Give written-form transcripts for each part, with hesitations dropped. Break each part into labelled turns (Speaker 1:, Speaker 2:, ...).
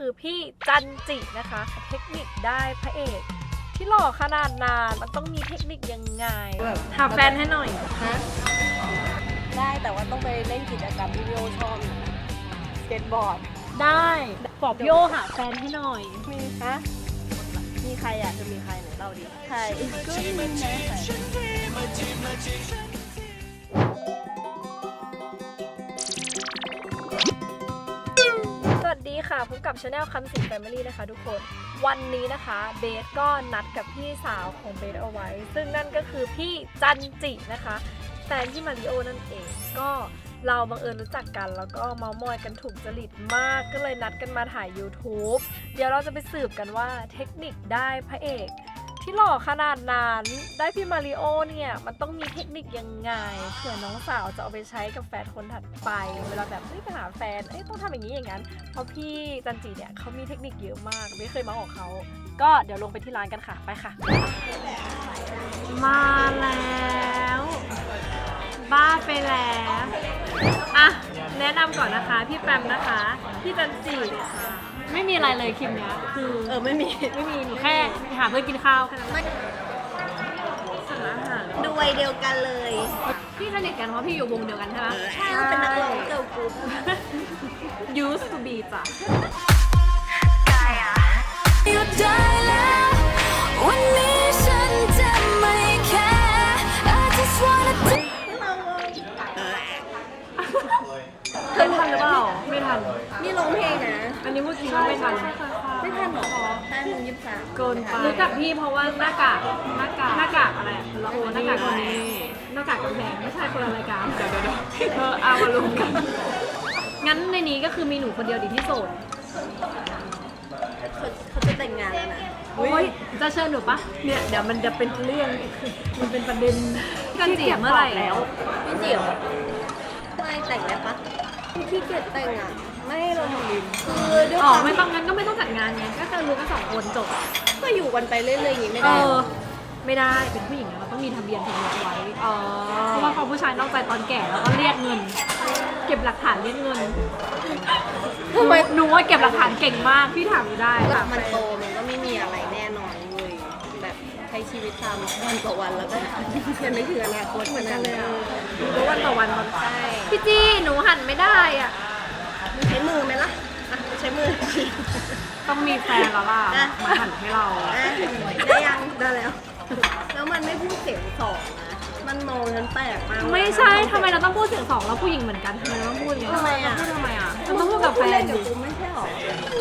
Speaker 1: คือพี่จันจินะคะเทคนิคได้พระเอกที่หล่อขนาดนานมันต้องมีเทคนิคยังไงหาแฟนให้หน่อย
Speaker 2: ฮะได้แต่ว่าต้องไปเล่นกิจกรรมที่พี่โอชอบนะสเก็ตบอร์ด
Speaker 1: ได้บอกพี่โอหาแฟนให้หน่อย
Speaker 2: มีฮะมีใครอ่ะจะมีใครไหนเล่าดิใครก็มีนะ
Speaker 1: สวัสดีค่ะพบกับชาแนลคำสิงแฟมิลี่นะคะทุกคนวันนี้นะคะเบสก็นัดกับพี่สาวของเบสเอาไว้ซึ่งนั่นก็คือพี่จันจินะคะแฟนพี่มาริโอนั่นเองก็เราบังเอิญรู้จักกันแล้วก็เมามอยกันถูกจริตมากก็เลยนัดกันมาถ่าย YouTube เดี๋ยวเราจะไปสืบกันว่าเทคนิคได้พระเอกที่หล่อขนาดนั้นได้พี่มาริโอเนี่ยมันต้องมีเทคนิคยังไงเผื่อน้องสาวจะเอาไปใช้กับแฟนคนถัดไปเวลาแบบไปหาแฟนต้องทำอย่างนี้อย่างนั้นเพราะพี่จันจิเนี่ยเขามีเทคนิคเยอะมากไม่เคยมาของเขาก็เดี๋ยวลงไปที่ร้านกันค่ะไปค่ะมาแล้วบ้าไปแล้วอ่ะแนะนำก่อนนะคะพี่แปมนะคะพี่จันจิไม่มีอะไรเลยคลิปเนี้ยคือ
Speaker 2: ไม่มี
Speaker 1: หนูแค่หาเพื่อนกินข้าวแค่นั้นสั่งอาหาร
Speaker 2: ดูวัยเดียวกันเลย
Speaker 1: พี่สนิทกันเพราะพี่อยู่วงเดียวกันใช่ไหม
Speaker 2: ใช่เป็นนักร้องเกิร์ลกรุ๊ป
Speaker 1: used to be จ้ะ
Speaker 3: วันนี้ฉันจะไม่แค่ I just wanna
Speaker 1: เคยทันหรือเปล่าไม่ทัน
Speaker 2: นี่ร้องเพลงนะ
Speaker 1: อันนี้พูดจริงไม่ทัน
Speaker 2: ไม่ทันหรอ5:23
Speaker 1: เกินไปรู้จักพี่เพราะว่าหน้ากากอะไรละโอหน้ากากคนนี้หน้ากากกำแพงไม่ใช่คนละรายการเดี๋ยวเอามาลงกันงั้นในนี้ก็คือมีหนูคนเดียวดีที่โสด
Speaker 2: เขาจะแต่งงานแล้วนะ
Speaker 1: โอ้ยจะเชิญหนูปะเนี่ยเดี๋ยวมันจะเป็นเรื่องมันเป็นประเด็นกันเจียเมื่อไหร่แล้ว
Speaker 2: พี่เจียวไม่แต่งได้ปะพี่เกียรแต่งอ่ะไม่เราทำดินคือด้วยความ
Speaker 1: ไม่ต้องงั้นก็ไม่ต้องจัดงานไงก็คือรู้กัน2 คนจบ
Speaker 2: ก็อยู่กันไปเรื่อยๆอย่างนี้ไม่ได้
Speaker 1: ไม่ได้เป็นผู้หญิงเราต้องมีทะเบียนสมรสไว้เพราะว่าเขาผู้ชายนอกใจตอนแก่แล้วก็เรียกเงินเก็บหลักฐานเรียกเงินทำไมหนูว่าเก็บหลักฐานเก่งมากพี่ถามได้
Speaker 2: มันโตมันก็ไม่มีอะไรแน่นอนเลยแบบใช้ชีวิตตามวันต่อวันแล้วก็ยังไม่ถึงอนาคตเหมือนกันเลย
Speaker 1: รู้วันต่อวันมันใช่พี่จี้หนูหั่นไม่ได้อ่ะ
Speaker 2: ใช้มือไหมล่ะใช้มือ
Speaker 1: ต้องมีแฟนแล้วล่ะมาหั่นให้เรา
Speaker 2: ได้ยังได้แล้วมันไม่พูดเสียงสองนะมันมองฉันแปลกมาก
Speaker 1: ไม่ใช่ทำไมเราต้องพูดเสียง2แล้วผู้หญิงเหมือนกันทำไมเราต้องพูดอย่างนี้
Speaker 2: ทำไมอ่ะ
Speaker 1: เราต้องพูดกับแฟน
Speaker 2: อยู่ไม่ใช่หรอ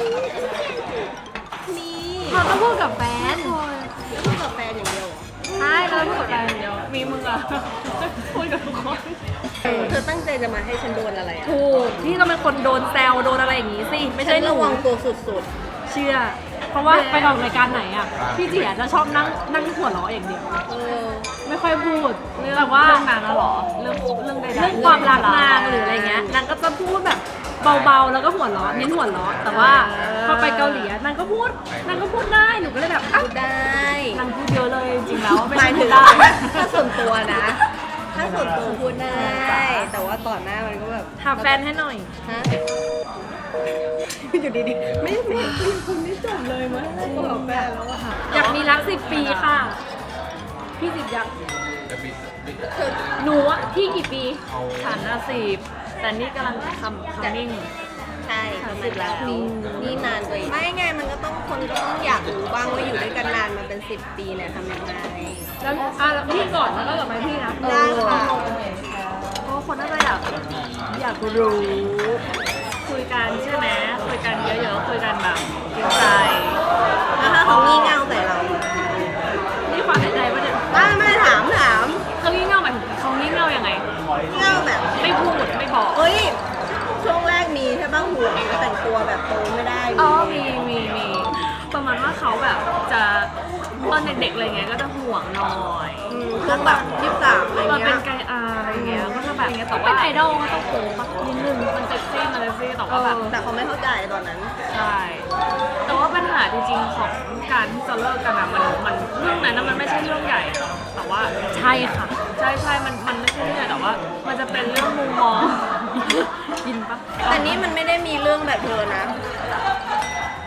Speaker 1: เราต้องพูดกับแฟน
Speaker 2: พูดกับแฟนอย่างเดียว
Speaker 1: ใช่เราพูดกับแฟนอย่างเดียวมีมึงอะพูดกับทุกคน
Speaker 2: เธอตั้งใจจะมาให้ฉันโดนอะไรอ่ะ
Speaker 1: ถูกที่เราเป็นคนโดนแซวโดนอะไรอย่างงี้สิไม่ใช่
Speaker 2: ระวังตัวสุด
Speaker 1: ๆเชื่อเพราะว่าไปออกรายการไหนอ่ะพี่เจี๋ยจะชอบนั่งหัวเราะอย่างเดียวไม่ค่อยพูดแต่ว่า
Speaker 2: เรื่องนานแล้วหรอ
Speaker 1: เรื่องใดๆเรื่องความรักนางหรืออะไรเงี้ยนางก็จะพูดแบบเบาๆแล้วก็หัวเราะเน้นหัวเราะแต่ว่าพอไปเกาหลีนางก็พูดได้หนูก็เลยแบบ
Speaker 2: พูดได้
Speaker 1: นางพูดเยอะเลยจริงๆแล้ว
Speaker 2: หมายถึงถ้าส่วนตัวนะถ้าส่วนตัวพูดได้แต่ว่าก่อนหน้ามันก็แบบ
Speaker 1: หาแฟนให้หน่อย
Speaker 2: ฮะอยู่ดีๆไม่คุณไม่จบเลยมั้ยบอกแฟนแล้วอะ
Speaker 1: อยากมีรัก10 ปีค่ะพี่10อยากหนูอะพี่กี่ปี
Speaker 2: ฉัน10แต่นี่กำลังทำนิ่งใช่30แล้วนี่นานเลยไม่ไงมันก็ต้องคนก็ต้องอยากรู้บ้างว่าอยู่ด้วยกันนานมาเป็น10 ปีเนี่ยทำยังไง
Speaker 1: แล้วพี่ก่อนแล้วก็กลับมาพี่นะ
Speaker 2: ได้ค่ะ
Speaker 1: เพราะคนน่าจะอยากรู้คุยกันใช่ไหมคุยกันเยอะๆคุยกันแบบจริงใจ
Speaker 2: แล้วถ้าเขางี่เง่าใส่เรา
Speaker 1: นี่ความในใจป่ะเนี่ย
Speaker 2: ไม่ถาม
Speaker 1: เขางี่เง่าหมายถึงเขางี่เง่ายังไง
Speaker 2: เง่าแบบ
Speaker 1: ไม่พูดไม่บอก
Speaker 2: เฮ้ยช่วงแรกมีใช่บ้างห่วงแต่งตัวแบบโตไม่ได้
Speaker 1: มีประมาณว่าเขาแบบจะตอนเด็กๆอะไรเงี้ยก็จะห่วงหน่อย
Speaker 2: ช่วงแบบ23อะไรเงี้ย
Speaker 1: เป็นไกอาอะไรเงี้ยก็จะแบบแต่ว่าเป็นไอดอลก็ต้องโป๊ปะนิดนึงมันเซ็กซี่มาเลยซี่แต่ว่าแบบ
Speaker 2: แต่เขาไม่เข้าใจตอนนั้น
Speaker 1: ใช่แต่ว่าปัญหาจริงๆของการที่จะเลิกกันอะมันเรื่องนั้นมันไม่ใช่เรื่องใหญ่แต่ว่าใช่ค่ะใช่มันไม่ใช่เรื่องใหญ่แต่ว่ามันจะเป็นเรื่องมุมมองยินปะ
Speaker 2: แต่นี้มันไม่ได้มีเรื่องแบบเธอนะ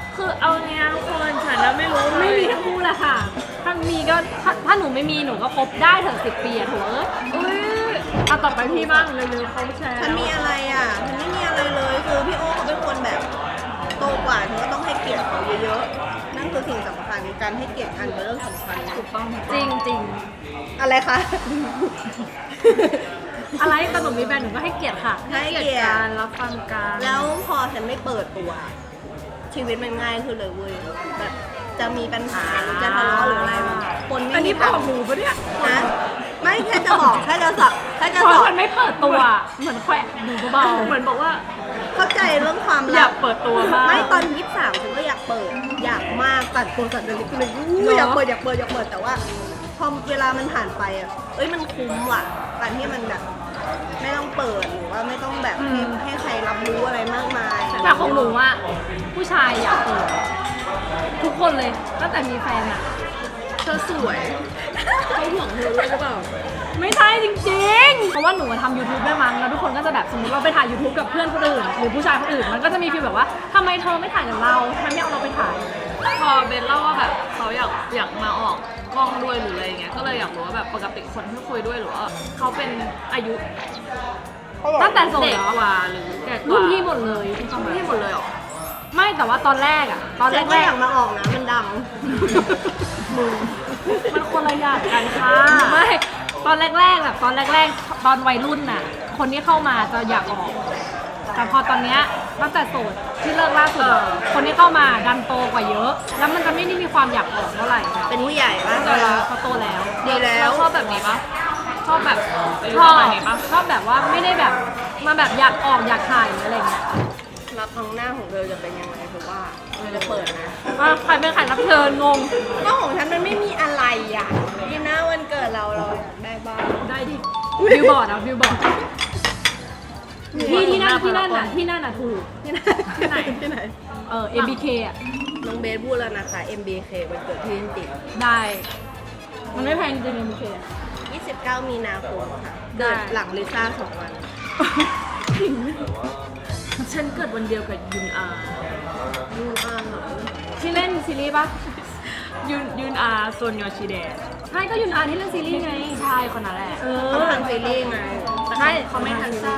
Speaker 1: ละค่ะถ้ามีก็ถ้าหนูไม่มีหนูก็คบได้ถึง10 ปีอะถูกเอาต่อไปพี่บ้างเร็วๆเขาแชร์
Speaker 2: ฉันมีอะไรอ่ะฉันไม่มีอะไรเลยคือพี่โอเขาเป็นคนแบบโตกว่าฉันก็ต้องให้เกียรติเขาเยอะๆนั่นคือสิ่งสำคัญการให้เกียรติกันเป็นเรื่องสำคัญนะ
Speaker 1: ถูกต้องจริงจริง
Speaker 2: อะไรคะ
Speaker 1: อะไรขนมมีแบรนด์หนูก็ให้เกียรติค่ะ
Speaker 2: ให้เกียรติ
Speaker 1: การรับฟังการ
Speaker 2: แล้วพอฉันไม่เปิดตัว ชีวิตมันง่ายขึ้นเลยเว้ยแบบจะมีปัญหาหรือจะทะเลาะหรืออะไรมาคนไม่
Speaker 1: อัน
Speaker 2: มี
Speaker 1: นี้บอกหนูปะเนี่ย
Speaker 2: นะไม่แค่จะบอกแค่จะสอนแค่จะ
Speaker 1: เพ
Speaker 2: ส
Speaker 1: ราะ
Speaker 2: อน
Speaker 1: มันไม่เปิดตัวเหมือนแขวะหนูเบาๆเหมือนบอกว่า
Speaker 2: เข้าใจเรื่องความ
Speaker 1: อ
Speaker 2: ลั
Speaker 1: ยา
Speaker 2: บ
Speaker 1: กเปิดตัวมาก
Speaker 2: ไม่ตอน23ฉันก็อยากเปิดอยากมากตัดตัวตัดเลยก็เลยอยากเปิดแต่ว่าพอเวลามันผ่านไปอ่ะมันคุ้มว่ะการที่มันแบบไม่ต้องเปิดหรือว่าไม่ต้องแบบให้ใครรับรู้อะไรมากมาย
Speaker 1: แต่ของหนูว่าผู้ชายอยากเปิดทุกคนเลยตั้งแต่มีแฟนอะ
Speaker 2: เธอสวยเขาห่วงเธอด้วยหรือเปล่า
Speaker 1: ไม่ใช่จริงๆ เพราะว่าหนูทำ YouTube ได้มั้งแล้วทุกคนก็จะแบบสมมติเราไปถ่าย YouTube กับเพื่อนคนอื่นหรือผู้ชายคนอื่นมันก็จะมีฟีลแบบว่าทำไมเธอไม่ถ่ายกับเราทำไมไม่เอาเราไปถ่าย
Speaker 4: พอเบนเล่าว่าแบบเขาอยากมาออกกล้องด้วยหรืออะไรอย่างเงี้ยก็เลยอยากรู้ว่าแบบปกติคนที่คุยด้วยหรือว่าเขาเป็นอายุ
Speaker 1: ตั้งแต่โสด
Speaker 4: เด็ก
Speaker 1: เหรอก
Speaker 4: ว่าหรือแก่ก
Speaker 1: รุ่
Speaker 4: ว่าน
Speaker 1: พี่หมดเลยที่เข้ามา
Speaker 4: พี่หมดเลยเหรอ
Speaker 1: ไม่แต่ว่าตอนแรกอะตอน
Speaker 2: ฉันก็
Speaker 1: แร
Speaker 2: อก ยากมาออกนะมันดัง
Speaker 1: มันคนละอย่างกันค่ะไม่ตอนแรกๆแบบตอนแรกๆตอนวัยรุ่นน่ะคนที่เข้ามาจะอยากออก แต่พอตอนเนี้ยตั้งแต่โสดที่เลิกล่าสุดอะคนที่เข้ามาดันโตกว่าเยอะ แล้วมันจะไม่ได้มีความอยากออกเท่าไหร่
Speaker 2: เป็นผู้ใหญ่ป่ะ
Speaker 1: เขาโตแล้ว
Speaker 2: ดีแล้ว
Speaker 4: ชอบแบบนี้ปะชอบแบบอายุ
Speaker 1: ชอ
Speaker 4: ป
Speaker 1: บ
Speaker 4: ระมาณนี้ปะ
Speaker 1: ชอบแบบว่าไม่ได้แบบมาแบบอยากออกอยากถ่ายหรืออะไรเงี้ย
Speaker 2: รับครั้งหน้าของเธอจะเป็นยังไงคือว่าเธอจะเปิดนะ
Speaker 1: ว่าใครเป็นใครรับเชิญงง
Speaker 2: ก็ของฉันมันไม่มีอะไรอ่ะที่หน้าวันเกิดเราอยากได้บ้าง
Speaker 1: ได้ดิบิวบอร์ดอ่ะบิวบอร์ดที่นั่นน่ะถูกที่ไหน
Speaker 2: ที่ไหน
Speaker 1: MBK อ่ะ
Speaker 2: น้องเบสพูดแล้วนะคะ MBK วันเกิดที่ลินติ
Speaker 1: ได้ มันไม่แพงจริง MBK อะ
Speaker 2: 29 มีนาคมค่ะ
Speaker 1: ได้
Speaker 2: เกิดหลังลิซ่า2 วัน
Speaker 4: ฉันเกิดวันเดียวกับยุนอา
Speaker 2: ดูอ่านเหรอ
Speaker 1: ที่เล่นซีรีส์ปะ
Speaker 4: ยุนอาโซนยอชิเดะ
Speaker 1: ใช่ก็ยุนอาที่เล่นซีรีส์ไง
Speaker 4: ใช่คนนั้นแหละ
Speaker 2: เขาทำซีรีส์ไง
Speaker 1: ใช่
Speaker 4: เขาไม่ทันซา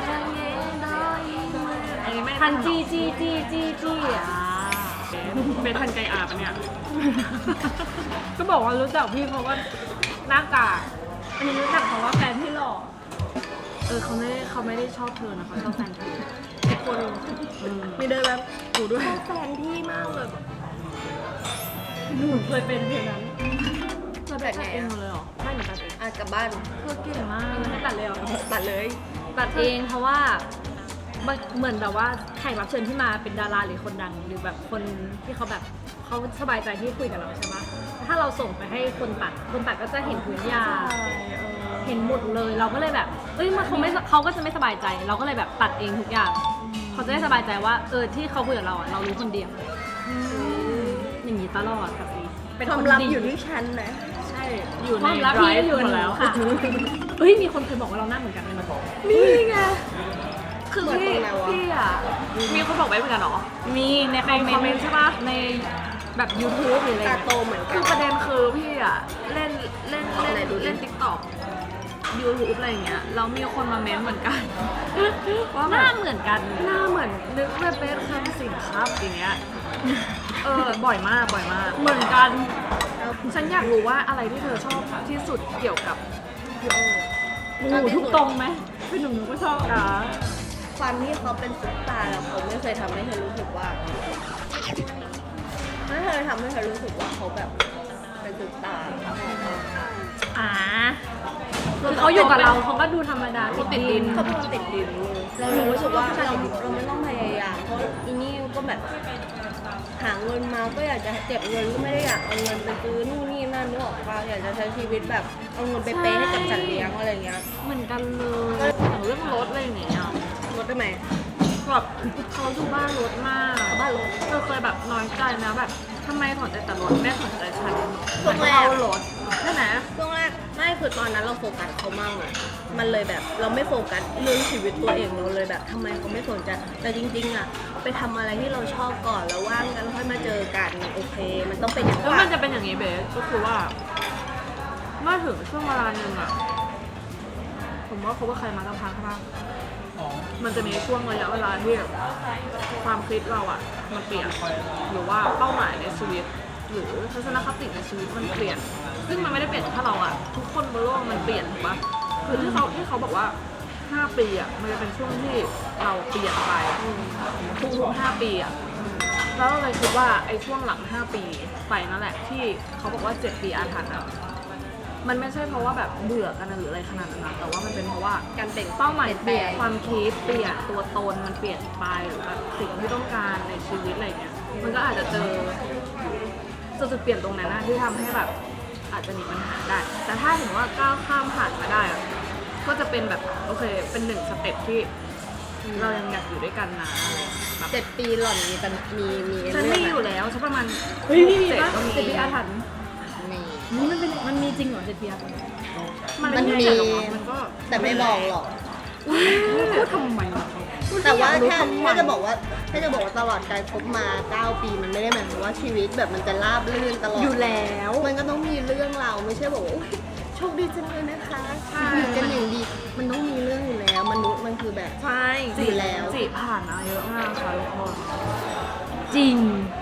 Speaker 4: อันนี้ไม่
Speaker 1: ทันจีอ่ะ
Speaker 4: เป็นทันไกอาปะเนี่ย
Speaker 1: ก็บอกว่ารู้จักพี่เพราะว่าหน้ากากอันนี้รู้จักเพราะว่าแฟนพี่หล่อ
Speaker 4: เขาไม่ได้ชอบเธอนะเขาชอบแฟนเธอ
Speaker 2: ทุกคนมีเดินแบบกูด้วยแฟนพี่มากเลย
Speaker 1: หนูเคยเป็นเพียงนั้น
Speaker 4: เราแบบเองหมดเลยเหรอ
Speaker 1: ไม่หนูตัดเอง
Speaker 2: กลับบ้าน
Speaker 4: เธอเก่งมาก
Speaker 1: ไม่ตัดเลยเหรอ
Speaker 2: ตัดเลย
Speaker 1: ตัดเองเพราะว่าเหมือนแบบว่าแขกรับเชิญที่มาเป็นดาราหรือคนดังหรือแบบคนที่เขาแบบเขาสบายใจที่คุยกับเราใช่ปะถ้าเราส่งไปให้คนตัดก็จะเห็นพื้นยาเห็นหมดเลยเราก็เลยแบบมันเขาก็จะไม่สบายใจ เราก็เลยแบบตัดเองทุกอย่างเขาจะได้สบายใจว่าที่เขาคุยกับเราเรารู้คนเดียวอย่างนี้ตลอดกับนี้เป็น
Speaker 2: ความ
Speaker 1: คน
Speaker 2: ลับ
Speaker 1: ดี
Speaker 2: อยู่ที่ฉันนะ
Speaker 4: ใช่อยู่
Speaker 1: ค
Speaker 4: ใน
Speaker 1: วามลับ
Speaker 4: ไดร
Speaker 1: พี่
Speaker 4: ฟ์
Speaker 1: อยู่
Speaker 4: หมดแล้ว
Speaker 1: ค่ะมีคนเคยบอกว่าเราหน้าเหมือนกันเลยนะ
Speaker 4: นี่ไงคือ
Speaker 2: เหมือน
Speaker 4: พี่
Speaker 2: ตรงไหนวะ
Speaker 4: พี่อ่ะมีคนบอกไว้เหมือนกันเหรอ
Speaker 1: มีในคอมเมนต์ใช่ปะในแบบ YouTube หรืออะไร
Speaker 2: ตา
Speaker 1: เงี้ย
Speaker 2: โตเหมือนกั
Speaker 4: คื
Speaker 2: น
Speaker 4: อประเด็นคือพี่อ่ะเล่น
Speaker 2: ไหนดูดิ
Speaker 4: เล่นติ๊กต็อกยูทูบอะไรอย่างเงี้ยแล้วมีคนมาเม้นเหมือนกัน ว่า
Speaker 1: ห
Speaker 4: แบ
Speaker 1: น้า
Speaker 4: บ
Speaker 1: เหมือนกัน
Speaker 4: หน้าเหมือนนึกว่าเป็นคำสินครับอย่างเงี้ยบ่อยมากเหมือนกัน ฉันอยากรู้ว่าอะไรที่เธอชอบที่สุดเกี่ยวกับพี่โอ
Speaker 1: โอ้โหทุกตรงไหมพี่หนุ่มก็ชอบนะ
Speaker 2: ความที่เขาเป็นซุปตาร์แล้วเขาไม่เคยทำให้เธอรู้สึกว่าไม่เคยทำให้เธอรู้สึกว่าเขาแบบเป็นซุปตาร์
Speaker 1: คือเขาอยู่กับเราเขาก็ดูธรรมดา
Speaker 4: เขาติดดิน
Speaker 2: เขาเป็นคนติดดินเลยเรารู้สึกว่าเราไม่ต้องพยายามเพราะอีนี่ก็แบบหาเงินมาก็อยากจะเก็บเงินก็ไม่ได้อยากเอาเงินไปซื้อนู่นนี่นั่นนึกออกปะอยากจะใช้ชีวิตแบบเอาเงินไปเปย์ให้กับสัตว์เลี้ยงอะไรเงี้ย
Speaker 4: เหมือนกันเลยอย่างเรื่องรถอะไรอย่างเงี้ย
Speaker 2: ลดได้ไหม
Speaker 4: แบบเขาดูบ้านรถมาก
Speaker 2: บ้านรถ
Speaker 4: เคยแบบน้อยใจนะแบบทำไมสนใจแต่รถไม่สนใจฉัน
Speaker 2: ช่วงแรก
Speaker 4: เอารถใช่ไหม
Speaker 2: ช่วงแรกไม่คือตอนนั้นเราโฟกัสเขามากเลยมันเลยแบบเราไม่โฟกัสเรื่องชีวิตตัวเองเราเลยแบบทำไมเขาไม่สนใจแต่จริงๆอ่ะไปทำอะไรที่เราชอบก่อนแล้วว่างกันค่อยมาเจอกันโอเค มันต้องเป็นอย่าง
Speaker 4: แล้ว
Speaker 2: ว่า
Speaker 4: มันจะเป็นอย่างนี้เบสก็คือว่าเมื่อถึงช่วงเวลาหนึ่งอะผมว่าเขาว่าใครมาตั้งพักบ้างมันจะมีช่วงระยะเวลาที่ความคิดเราอะมันเปลี่ยนหรือว่าเป้าหมายในชีวิต หรือทัศนคติในชีวิตมันเปลี่ยน ซึ่งมันไม่ได้เปลี่ยนแค่เราอะทุกคนบนโลกมันเปลี่ยนถูกปะคือที่เขาบอกว่า5 ปีอะมันจะเป็นช่วงที่เราเปลี่ยนไปทุกๆ5 ปีอะแล้วเราเลยคิดว่าไอ้ช่วงหลัง5 ปีไปนั่นแหละที่เขาบอกว่า7 ปีอาถรรพ์อะมันไม่ใช่เพราะว่าแบบเบื่อกันหรืออะไรขนาดนั้นนะแต่ว่ามันเป็นเพราะว่า
Speaker 2: การเปลี่ยน
Speaker 4: เป้าหมายเปลี่ยน
Speaker 2: เปลี่ยน
Speaker 4: ความคิดเปลี่ยนตัวตนมันเปลี่ยนไปหรือแบบสิ่งที่ต้องการในชีวิตอะไรเงี้ยมันก็อาจจะเจอจุดเปลี่ยนตรงนั้นนะที่ทำให้แบบอาจจะมีปัญหาได้ แต่ถ้าถึงว่าก้าวข้ามผ่านมาได้อะก็จะเป็นแบบโอเคเป็น1 สเต็ปที่เรายังอยากอยู่ด้วยกันนะอะไรแบบ
Speaker 2: 7 ปีหล่อนมีกันมี
Speaker 4: ฉันมีอยู่แล้วฉันประมาณ
Speaker 1: เฮ้ยมี
Speaker 4: 7
Speaker 1: ปะ
Speaker 4: ก็มี
Speaker 1: 7 ปีอาถรรพ์
Speaker 2: มี
Speaker 1: มันมีจริงเหรอ7 ปีอาถรรพ์
Speaker 4: มัน
Speaker 2: มัน
Speaker 4: ไใช่
Speaker 2: มี
Speaker 4: หรอกมันก็
Speaker 2: แต่ไม่บอกหรอก
Speaker 1: พูดทำไมวะ
Speaker 2: แต่ว่าถ้าจะบอกว่าตลอดการคบมา 9 ปีมันไม่ได้หมายความว่าชีวิตแบบมันจะราบรื่นตลอด
Speaker 1: อยู่แล้ว
Speaker 2: มันก็ต้องมีเรื่องเราวไม่ใช่บอกว่าอุ๊ยโชคดีจังเลยนะคะอยู่กันอย่างดี มันต้องมีเรื่องอยู่แล้วมนุษย์มันคือแบบ
Speaker 1: ใช่
Speaker 2: อยู่แล้ว
Speaker 4: จีผ่านมาเยอะมากค่ะทุกคน
Speaker 1: จริง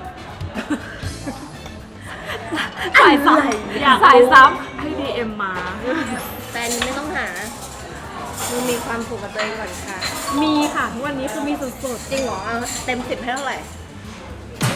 Speaker 4: สายซ้ำอยากสายซ้ำให้ DM มา
Speaker 2: แฟนไม่ต้องหามึงมีความสุขกับตัวเองก่อนค่ะ
Speaker 1: มีค่ะทุกวันนี้คือมีสุด
Speaker 2: จริงเหรอเอาเต็ม 10ให้เท่าไหร่
Speaker 1: ๆ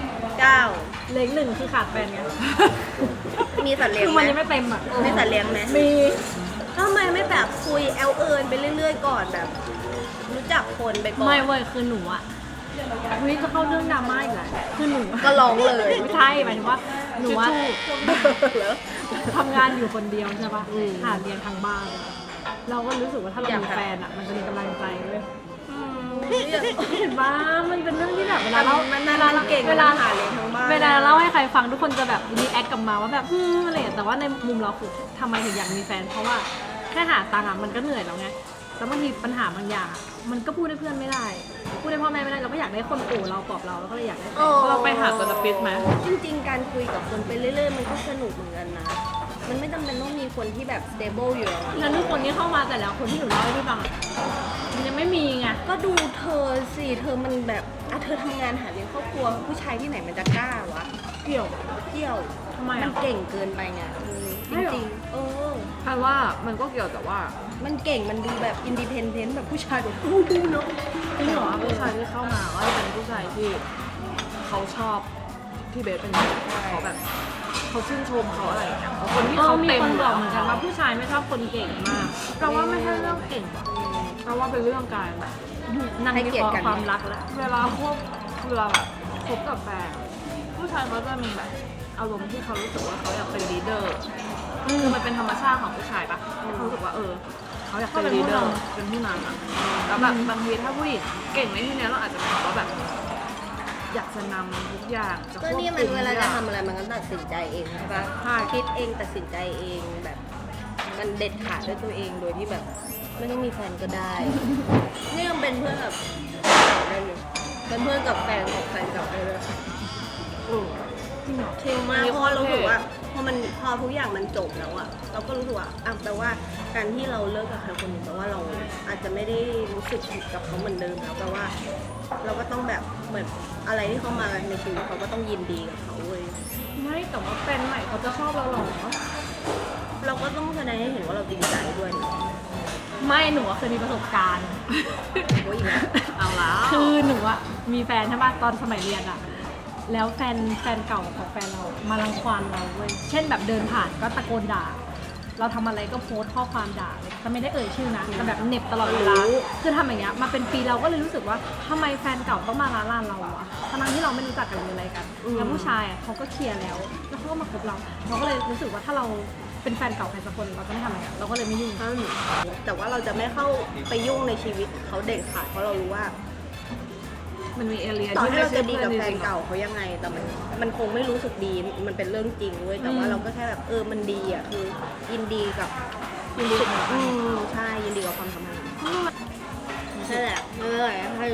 Speaker 1: 9
Speaker 2: 9
Speaker 1: เล็ก1คือขาดแฟนไง
Speaker 2: มีสัตว์เลี้ยง
Speaker 1: คือ
Speaker 2: ไหม
Speaker 1: มันยังไม่เต็มอ่ะ
Speaker 2: มีสัตว์เลี้ยงไหม
Speaker 1: มี
Speaker 2: ทำไมไม่แบบคุยแอลเอิญไปเรื่อยๆก่อนแบบ รู้จักคนไปก่อน
Speaker 1: ไม่เว้ยคือหนูอ่ะวิจะเข้าเรื่องดราม่าอีกแล้วคือหนู
Speaker 2: ก็ร้องเลย
Speaker 1: ไม่ใช่หมายถึงว่าหนูว่า
Speaker 2: เหรอ
Speaker 1: ทำงานอยู่คนเดียวใช่ปะ
Speaker 2: อืม
Speaker 1: หาเรียนทางบ้าน เราก็รู้สึกว่าถ้าเรา
Speaker 2: อยาก
Speaker 1: มี
Speaker 2: แบบ
Speaker 1: แฟนอ่ะมันจะมีกำลังใจเว้ยเห็นปะมันเป็นเรื่องที่แบบเวลาเรา
Speaker 2: มัน
Speaker 1: เวลาเรา
Speaker 2: เก่ง
Speaker 1: เวลา
Speaker 2: หาเลี้ยงทั้งบ้าน
Speaker 1: เวลาเล่าให้ใครฟังทุกคนจะแบบรีแอคกลับมาว่าแบบอะไรอย่างเงี้ยแต่ว่าในมุมเราคือทำไมถึงอยากมีแฟน เพราะว่าแค่หาตังค์อะมันก็เหนื่อยแล้วไงแล้วบางทีปัญหาบางอย่างอะมันก็พูดให้เพื่อนไม่ได้ พูดให้พ่อแม่ไม่ได้เราก็อยากได้คนโอบเราปลอบเราแล้วก็เลยอยากได้แฟน
Speaker 4: เราไปหาเทอราปิสต์ไหม
Speaker 2: จริงๆ การคุยกับคนไปเรื่อยๆ มันก็สนุกเหมือนกันนะ มันไม่จำเป็นต้องมีคนที่แบบ stable อยู่แล้วอะ
Speaker 1: แล้วทุกคนที่เข้ามาแต่แล้วคนที่หนูเล่าให้พี่ฟังอะมันยังไม่มีไง
Speaker 2: ก็ดูเธอสิ เธอมันแบบเธอทำงานหาเลี้ยงครอบครัว ผู้ชายที่ไหนมันจะกล้าวะ
Speaker 1: เกี่ยว
Speaker 2: เที่ยว
Speaker 1: ทำไม
Speaker 2: มั
Speaker 1: อ่ะ
Speaker 2: นเก่งเกินไปไงจ
Speaker 1: ไม่หรอ
Speaker 2: ริงๆ
Speaker 4: คาดว่ามันก็เกี่ยวแต่ว่า
Speaker 2: มันเก่ง มันดูแบบ independent แบบผู้ชายแบบอู้ดูเนาะ
Speaker 1: จริงเหรอ
Speaker 4: ผู้ชายที่เข้ามาก็จะเป็นผู้ชายที่เขาชอบที่เบสเป็นแบบเขาแบบเขาชื่นชมเขาอะไรอย่างเงี้ยคนที่เขา
Speaker 1: มี
Speaker 4: เต็ม
Speaker 1: คนบอก
Speaker 4: แล้ว
Speaker 1: เหมือนกันว่าผู้ชายไม่ชอบคนเก่งมาก
Speaker 4: เราว่าไม่ใช่เรื่องเก่งหรอกเราว่าเป็นเรื่องการแบบ
Speaker 1: นั่งวิเคราะห์ความรักแล้ว
Speaker 4: เวลาแบบคบกับแฟนผู้ชายเขาจะมีแบบอารมณ์ที่เขารู้สึกว่าเขาอยากเป็นลีดเดอร์คือมันเป็นธรรมชาติของผู้ชายปะเขารู้สึกว่าเขาอยากเป็นลีดเดอร์เป็นผู้นำอะแล้วแบบบางทีถ้าผู้หญิงเก่งในที่เนี้ยเราอาจจะเป็นเพราะแบบ อยากจะนำทุกอย่างจะ
Speaker 2: ก็นี่มันเวลาจะทำอะไรมันก็ตัดสินใจเองใช่ปะ
Speaker 1: ใช่
Speaker 2: คิดเองตัดสินใจเองแบบ มันเด็ดขาดด้วยตัวเองโดยที่แบบไม่ต้องมีแฟนก็ได้ นี่ยังเป็นเพื่อนกับได้เลยเป็นเพื่อนกับแฟนกับแฟนกับได้เลย
Speaker 1: จริงเหรอ
Speaker 2: ชิลมากเพราะว่ารู้สึกว่าพอทุกอย่างมันจบแล้วอะเราก็รู้สึกว่าแปลว่าการที่เราเลิกกับใครคนหนึ่งแปลว่าเราอาจจะไม่ได้รู้สึกผิดกับเขาเหมือนเดิมแล้วแปลว่า เราก็ต้องแบบเหมือนอะไรที่เขามาในชีวิตเขาก็ต้องยินดีกับเขาเว้ย
Speaker 1: ไม่แต่ว่าแฟนใหม่เขาจะชอบเราหรอ
Speaker 2: เราก็ต้องแสดงให้เห็นว่าเราจริงใจด้วยนะ
Speaker 1: ไม่หนูอะเคยมีประสบการณ์
Speaker 2: โอ้ยอีกแล้ว
Speaker 4: เอาแล้ว
Speaker 1: คือหนูอะมีแฟนใช่ปะตอนสมัยเรียนอะแล้วแฟนเก่าของแฟนเรามารังควานเราเว้ยเช่นแบบเดินผ่านก็ตะโกนด่า เราทำอะไรก็โพสต์ข้อความด่าเลยแต่ไม่ได้เอ่ยชื่อนะแต่แบบเหน็บตลอดเวลาคือทำอย่างเงี้ยมาเป็นปีเราก็เลยรู้สึกว่าทำไมแฟนเก่าต้องมาล้าลานเราอะทั้งที่เราไม่รู้จักกันหรืออะไรกันแล้วผู้ชายอะเขาก็เคลียร์แล้วเขาก็มาคบเราก็เลยรู้สึกว่าถ้าเราเป็นแฟนเก่าใครสักคนเราจะไม่ทำอย่างเงี้ยเราก็เลยไม่ยุ่ง
Speaker 2: แต่ว่าเราจะไม่เข้าไปยุ่งในชีวิตเขาเด็ดขาดเพราะเรารู้ว่า
Speaker 4: มันมีเอเลีย
Speaker 2: ต่อ
Speaker 4: ที่
Speaker 2: ให้เราจะดีกับ
Speaker 4: ไม่
Speaker 2: แฟ
Speaker 4: ใช่
Speaker 2: น
Speaker 4: เพื่อนจริงๆ
Speaker 2: เก่าเขายังไง แต่มันคงไม่รู้สึกดี มันเป็นเรื่องจริงเว้ย แต่ว่าเราก็แค่แบบมันดีอ่ะ คือยินดีกับใช่ ยินดีกับความสัมพันธ์นั่นแหละไม่เป็นไรให้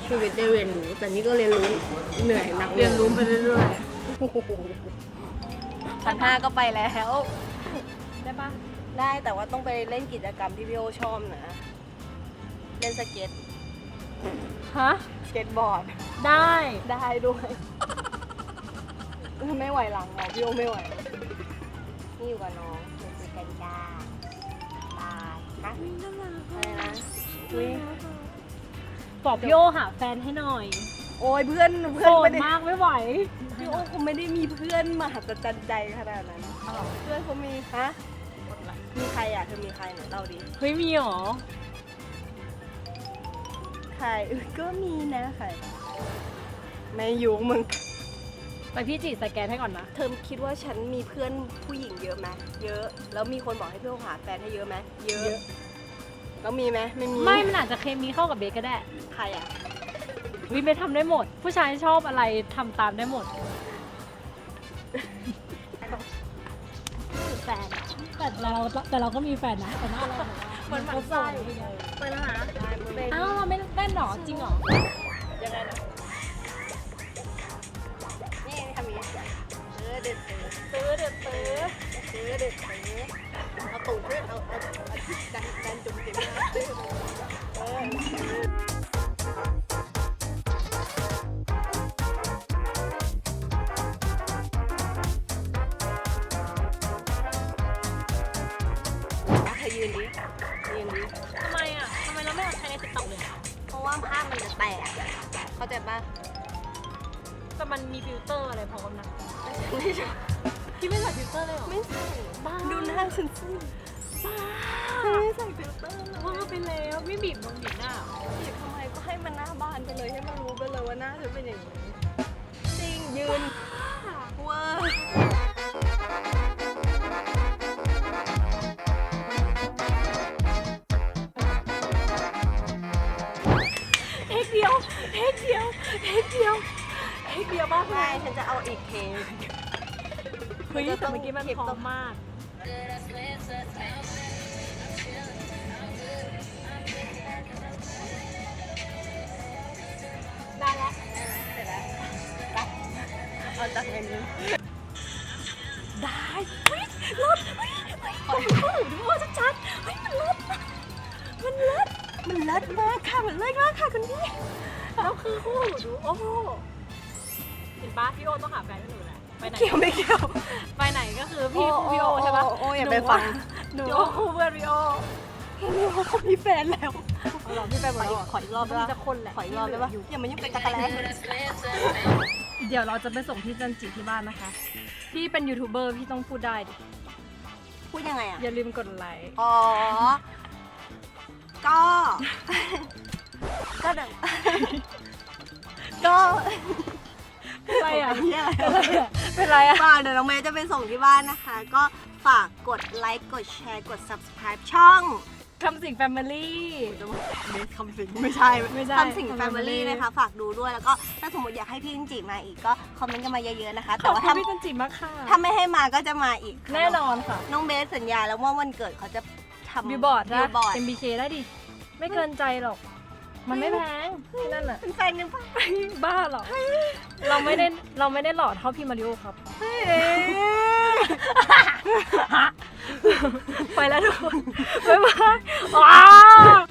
Speaker 2: ชีวิตได้เรียนรู้แต่นี่ก็เรียนรู้เหนื่อยหนัก
Speaker 4: เรียนรู้ไปเรื่อย
Speaker 2: 1,500ก็ไปแล้ว
Speaker 1: ได้ปะ
Speaker 2: ได้แต่ว่าต้องไปเล่นกิจกรรมที่พี่โอชอบนะ เล่นสเก็ต
Speaker 1: ฮะ
Speaker 2: สเก็ตบอร์ด
Speaker 1: ได้
Speaker 2: ได้ด้วย ไม่ไหวหลังหรอพี่โอไม่ไหว นี่อยู่กับน้องเดี๋ยวคุยกันจ้าบายนะอะไรนะอุ้ย
Speaker 1: บอกพี่โอหาแฟนให้หน่อย
Speaker 2: โอ้ยเพื่อน
Speaker 1: โสด
Speaker 2: ไม่ได้
Speaker 1: มากไม่ไหว
Speaker 2: พี่โอคงไม่ได้มีเพื่อนมหัศจรรย์ใจขนาดนั้นเพื่อนเขามีฮะมีใครอ่ะเธอมีใครเนี่ยเล่าดิ
Speaker 1: เฮ้ยมีหรอ
Speaker 2: ใครก็มีนะใครไม่ยุ่งมึง
Speaker 1: ไปพี่จีสแกนให้ก่อนนะ
Speaker 2: เธอคิดว่าฉันมีเพื่อนผู้หญิงเยอะไหมเยอะ แล้วมีคนบอกให้พี่โอหาแฟนให้เยอะไหมเยอะ แล้วมีไหมไม่มี
Speaker 1: ไม่มันอาจจะเคมีเข้ากับเบสก็ได้
Speaker 2: ใครอ่ะ
Speaker 1: วิเบสทำได้หมด ผู้ชายชอบอะไรทำตามได้หมดแฟนอะแต่เราก็มีแฟนนะแต่หน้าเรา
Speaker 2: เหมือนหมันไส้ไปแล้วนะ
Speaker 1: อ้าวเราไม่เต้นหรอจริงหรอ
Speaker 2: ยังไงนะนี่ทำอย่างนี้เด็ดตื้อเด็ดตื้อตื้อเด็ดตื้อเอาตูดขึ้นเอาดันจุ่มจิ้มนะตื้อเธอยืนดิยืนดิ
Speaker 1: ทำไมอ่ะทำไมเราไม่เอาใช้ในติ๊กต็อกเลย
Speaker 2: เพราะว่าภาพมันจะแตกเข้าใจปะ
Speaker 1: แต่มันมีฟิลเตอร์อะไรพร้อมนะ
Speaker 2: ไม่ใช่
Speaker 1: พี่ไม่ใส่ฟิลเตอร์เลยเหรอ
Speaker 2: ไม่ใส่
Speaker 1: บ้า
Speaker 2: ดูหน้าฉันสิ
Speaker 1: บ้า
Speaker 2: ไม่ใส่ฟิลเตอร์เลย
Speaker 1: ว่าไปแล้วไม่บีบนมบีบหน้า
Speaker 2: บีบทำไมก็ให้มันหน้าบานไปเลยให้มันรู้ไปเลยว่าหน้าฉันเป็นอย่างนี้จริงยืนเวอร์
Speaker 1: เทคเดียวเทคเดียวเทคเดียวเทคเดียวบ้าง
Speaker 2: ไม่ฉันจะเอาอีกเทป
Speaker 1: เฮ้ยแต่เมื่อกี้มันพร้อมมาก ได้แล้ว
Speaker 2: เสร็จแล้วไปเอาจากเมนู
Speaker 1: ได้เฮ้ยรถเฮ้ยเฮ้ยเข้าหูดูว่าชัดๆเฮ้ยมันรถมันรถ
Speaker 2: มันเลิศมากค่ะมันเลิศมากค่ะคุณพี่
Speaker 1: แล้วคือคู่หูดูโอ้โหเห็นปะพี่โอต้องหาแฟนให้หนูแหละไปไหน
Speaker 2: เกี่ยวไม่เกี่ยว
Speaker 1: ไปไหนก็คือพี่โอใช่ปะ
Speaker 2: โอ้อย่าไปฟัง
Speaker 1: หนูว่าคู่เพื่อนพี่โอ
Speaker 2: พี่โอเขามีแฟนแล้ว
Speaker 1: เอาหรอพี่แฟนบอก
Speaker 2: ขออีกรอบได้ปะ
Speaker 1: มีแต่คนแหละ
Speaker 2: ขออีกรอบได้ปะอย่ามายุ่งกับจักรแล
Speaker 1: เดี๋ยวเราจะไปส่งพี่จันจิที่บ้านนะคะ พี่เป็นยูทูบเบอร์พี่ต้องพูดได้ดิ
Speaker 2: พูดยังไงอ่ะ
Speaker 1: อย่าลืมกดไลค์
Speaker 2: อ๋อ ก็ ก็เดี๋ยวก็
Speaker 1: อะไรอ่ะ
Speaker 2: เป็นอะไร
Speaker 1: เป็นไรอ่ะ
Speaker 2: ฝากเดี๋ยวน้องเมย์จะไปส่งที่บ้านนะคะ ก็ฝากกดไลค์ กดแชร์ กด subscribe ช่อง
Speaker 1: คำสิงแฟมิลี่
Speaker 2: เบสคำสิงไม่ใช่
Speaker 1: ไม่ใช่
Speaker 2: คำสิง Family นะคะ ฝากดูด้วยแล้วก็ถ้าสมมติอยากให้พี่จินจิมาอีกก็คอมเมนต์กันมาเยอะๆนะคะ
Speaker 1: ข
Speaker 2: แต่
Speaker 1: อบ
Speaker 2: ว่า
Speaker 1: คุณ
Speaker 2: ถ้า
Speaker 1: พี่จันจิมากค่ะ
Speaker 2: ถ้าไม่ให้มาก็จะมาอีกค่ะ
Speaker 1: แน่นอนค่ะ
Speaker 2: น้องเบสสัญญาแล้วว่าวันเกิดเขาจะทำ
Speaker 1: บิวบอร์ด
Speaker 2: บิ
Speaker 1: นะ
Speaker 2: วบอร์ด
Speaker 1: MBK ได้ดิ ไม่เกินใจหรอก มันไม่แพงที่นั่นอ่ะ
Speaker 2: เป็นแฟนกันปะ
Speaker 1: บ้าหรอ เราไม่ได้หล่อเท่าพี่มาริโอครับ ไปแล้วทุกคน บ๊ายบายว้าว